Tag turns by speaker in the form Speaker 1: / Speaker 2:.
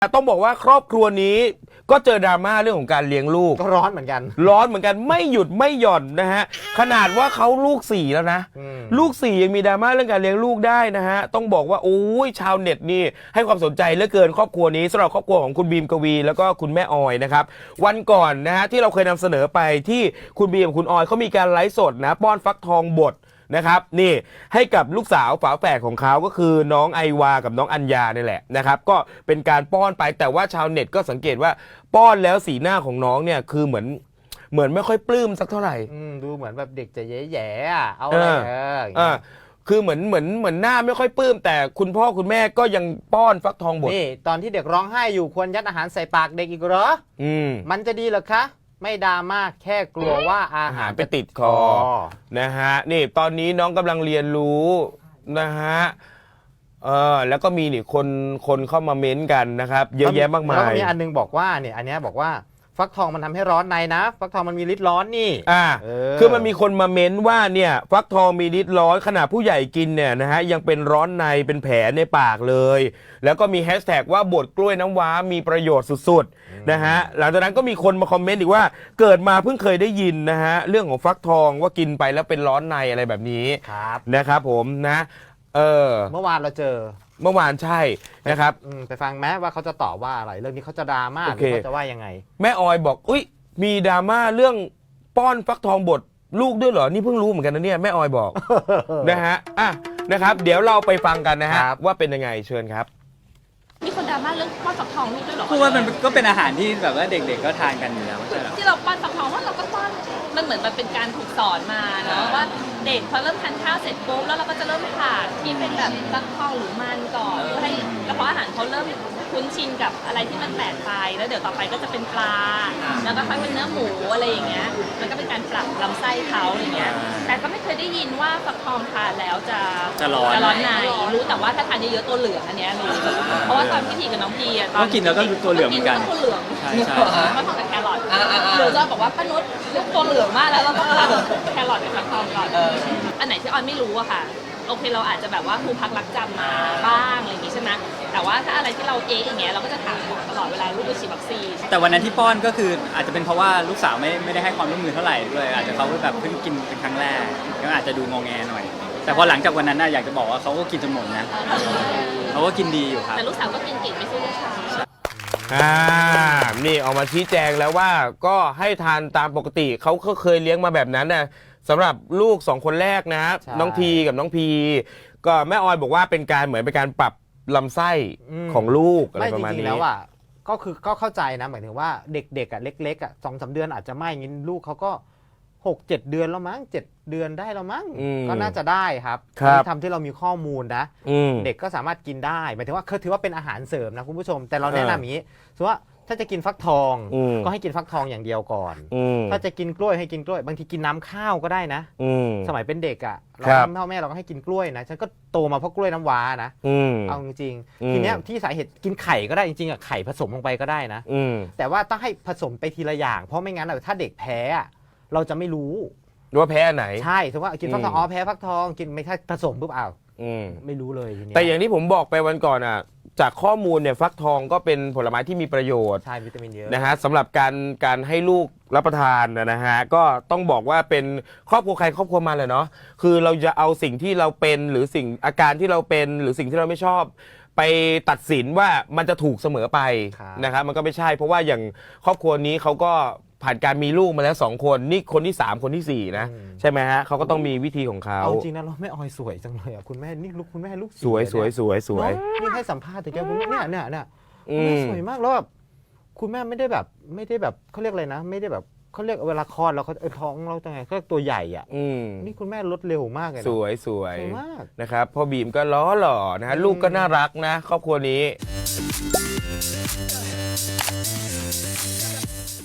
Speaker 1: ต้องบอกว่าครอบครัวนี้ก็เจอดราม่าเรื่องของการเลี้ยงลูก
Speaker 2: ก็ร้อนเหมือนกัน
Speaker 1: ร้อนเหมือนกันไม่หยุดไม่หย่อนนะฮะขนาดว่าเขาลูก4แล้วนะลูก4ยังมีดราม่าเรื่องการเลี้ยงลูกได้นะฮะต้องบอกว่าโอ้ยชาวเน็ตนี่ให้ความสนใจเหลือเกินครอบครัวนี้สำหรับครอบครัวของคุณบีมกวีแล้วก็คุณแม่ออยนะครับวันก่อนนะฮะที่เราเคยนำเสนอไปที่คุณบีมกับคุณออยเขามีการไลฟ์สดนะป้อนฟักทองบดนะครับนี่ให้กับลูกสาวฝาแฝดของเขาก็คือน้องไอวากับน้องอัญญานี่แหละนะครับก็เป็นการป้อนไปแต่ว่าชาวเน็ตก็สังเกตว่าป้อนแล้วสีหน้าของน้องเนี่ยคือเหมือนไม่ค่อยปลื้มสักเท่าไหร่
Speaker 2: ดูเหมือนแบบเด็กจะแย่ๆอ่ะเอาอะไร
Speaker 1: คือเหมือนหน้าไม่ค่อยปลื้มแต่คุณพ่อคุณแม่ก็ยังป้อนฟักทองบด
Speaker 2: นี่ตอนที่เด็กร้องไห้อยู่ควรยัดอาหารใส่ปากเด็กอีกเหรอมันจะดีเหรอคะไม่ดราม่าแค่กลัวว่าอาหาร
Speaker 1: ไปติดคอนะฮะนี่ตอนนี้น้องกำลังเรียนรู้นะฮะแล้วก็มีนี่คนเข้ามาเม้นกันนะครับเยอะแยะมากมาย
Speaker 2: แล้วก็มีอันนึงบอกว่าเนี่ยอันนี้บอกว่าฟักทองมันทำให้ร้อนในนะฟักทองมันมีฤทธิ์ร้อนนี่
Speaker 1: คือมันมีคนมาเม้นว่าเนี่ยฟักทองมีฤทธิ์ร้อนขนาดผู้ใหญ่กินเนี่ยนะฮะยังเป็นร้อนในเป็นแผลในปากเลยแล้วก็มีแฮชแท็กว่าบดกล้วยน้ำว้ามีประโยชน์สุดๆนะฮะหลังจากนั้นก็มีคนมาคอมเมนต์อีกว่าเกิดมาเพิ่งเคยได้ยินนะฮะเรื่องของฟักทองว่ากินไปแล้วเป็นร้อนในอะไรแบบนี้นะครับผมนะ
Speaker 2: เมื่อวานเราเจอ
Speaker 1: เมื่อวานใช่นะครับ
Speaker 2: ไปฟังแม้ว่าเขาจะตอบว่าอะไรเรื่องนี้เขาจะดราม่าหรือเขาจะว่ายังไง
Speaker 1: แม่ออยบอกอุ้ยมีดราม่าเรื่องป้อนฟักทองบดลูกด้วยเหรอนี่เพิ่งรู้เหมือนกันนะเนี่ยแม่ออยบอก นะฮะนะครับเดี๋ยวเราไปฟังกันนะฮะว่าเป็นยังไงเชิญครับ
Speaker 3: มีคนดราม่าเรื่องป้อนฟักทองลูกด้วยเหรอ
Speaker 4: พูดว่ามันก็เป็นอาหารที่แบบว่าเด็กๆก็ทานกันอยู่แล้วใช่ไหม
Speaker 3: ที่เราป้อนฟักทองว่าเราก็ป้อนมันเหมือนมันเป็นการถูกสอนมาเนาะว่าเด็กพอเริ่มทานข้าวเสร็จปุ๊บแล้วเราก็จะเริ่มผ่าที่เป็นแบบฟักทองหรือมันก่อนเพื่อให้กระเพาะอาหารเขาเริ่มคุ้นชินกับอะไรที่มันแปลกไปแล้วเดี๋ยวต่อไปก็จะเป็นปลาแล้วก็ค่อยเป็นเนื้อหมูอะไรอย่างเงี้ยมันก็เป็นการปรับลำไส้เขาอย่างเงี้ยแต่ก็ไม่เคยได้ยินว่าฟักทองทานแล้วจะร้อนในรู้แต่ว่าถ้าทานเยอะๆตัวเหลืองอันเนี้ยรู้เพราะว่าตอนพี่ทีกับน้องพีอะตอน
Speaker 4: กินแล้วก็ตัวเหลืองเหมือนกัน
Speaker 3: ตัวเหลือง
Speaker 4: ใช่
Speaker 3: ฟักทองกับแครอทหรือจะบอกว่าป้านุชเลือกตัวเหลืองมากแล้วเราต้องทานแครอทกับฟักทองก่อนอันไหนที่ออยไม่รู้อะค่ะโอเคเราอาจจะแบบว่าครูพักรักจำมาบ้างอะไรอย่างงี้ใช่ไหมแต่ว่าถ้าอะไรที่เราอย่างเงี้ยเราก็จะถามตลอดเวลาลูกไปฉีดวัคซีน
Speaker 4: แต่วันนั้นที่ป้อนก็คืออาจจะเป็นเพราะว่าลูกสาวไม่ได้ให้ความร่วมมือเท่าไหร่ด้วยอาจจะเขาแบบเพิ่งกินเป็นครั้งแรกก็อาจจะดูงอแงหน่อยแต่พอหลังจากวันนั้นน่ะอยากจะบอกว่าเขาก็กินจนหมดนะเขาก็กินดีอยู่ครับ
Speaker 3: แต่ลูกสาวก็กินเก่งไม่ใช่ลูกชาย
Speaker 1: นี่ออกมาชี้แจงแล้วว่าก็ให้ทานตามปกติเขาก็เคยเลี้ยงมาแบบนั้นนะสำหรับลูก2คนแรกนะน้องทีกับน้องพีก็แม่ออยบอกว่าเป็นการเหมือนเป็นการปรับลำไส้ของลูกอะไรประมาณนี้
Speaker 2: ไม่จริงๆแล้วอ่ะก็คือก็เข้าใจนะหมายถึงว่าเด็กๆอ่ะเล็กๆอ่ะ2-3 เดือนอาจจะไม่งี้ลูกเขาก็6-7 เดือนแล้วมั้ง7 เดือนได้แล้วมั้งก็น่าจะได้ครับที่ทำที่เรามีข้อมูลนะเด็กก็สามารถกินได้หมายถึงว่าถือว่าเป็นอาหารเสริมนะคุณผู้ชมแต่เราแนะนำอย่างนี้สมมติว่าถ้าจะกินฟักทองก็ให้กินฟักทองอย่างเดียวก่อนถ้าจะกินกล้วยให้กินกล้วยบางทีกินน้ำข้าวก็ได้นะสมัยเป็นเด็กอ่ะเราพ่อแม่เราก็ให้กินกล้วยนะฉันก็โตมาเพราะกล้วยน้ำว้านะเอาจริงๆทีเนี้ยที่สาเหตุกินไข่ก็ได้จริงๆอ่ะไข่ผสมลงไปก็ได้นะแต่ว่าต้องให้ผสมไปทีละอย่างเพราะไม่งั้นถ้าเด็กแพ้เราจะไม่รู้
Speaker 1: ว่าแพ้ไหน
Speaker 2: ใช่ถือว่ากินฟักทองแพ้ฟักทองกินไม่ใช่ผสมปุ๊บไม่รู้เลยทีนี้
Speaker 1: แต่อย่างที่ผมบอกไปวันก่อนอ่ะจากข้อมูลเนี่ยฟักทองก็เป็นผลไม้ที่มีประโยชน์
Speaker 2: ใช่วิตามินเยอะ
Speaker 1: นะฮะสำหรับการให้ลูกรับประทานนะฮะก็ต้องบอกว่าเป็นครอบครัวใครครอบครัวมันเลยเนาะคือเราจะเอาสิ่งที่เราเป็นหรือสิ่งอาการที่เราเป็นหรือสิ่งที่เราไม่ชอบไปตัดสินว่ามันจะถูกเสมอไปนะครับมันก็ไม่ใช่เพราะว่าอย่างครอบครัวนี้เขาก็ผ่านการมีลูกมาแล้ว2 คนนี่คนที่3คนที่4นะใช่ไหมฮะเขาก็ต้องมีวิธีของเขา
Speaker 2: เอาจริงนะเราแม่ออยสวยจังเลยอ่ะคุณแม่นี่ลูกคุณแม่ลูก
Speaker 1: สวย
Speaker 2: นี่ให้สัมภาษณ์ถึงแกคุณแม่เนี่ยสวยมากแล้วแบบคุณแม่ไม่ได้แบบเขาเรียกอะไรนะไม่ได้แบบเขาเรียกเวลาคลอดแล้วเขาท้องเราจะไงก็ตัวใหญ่อ่ะนี่คุณแม่ลดเร็วมากเลย
Speaker 1: สวยมากนะครับพ่อบีมก็ล้อหล่อนะฮะลูกก็น่ารักนะครอบครัวนี้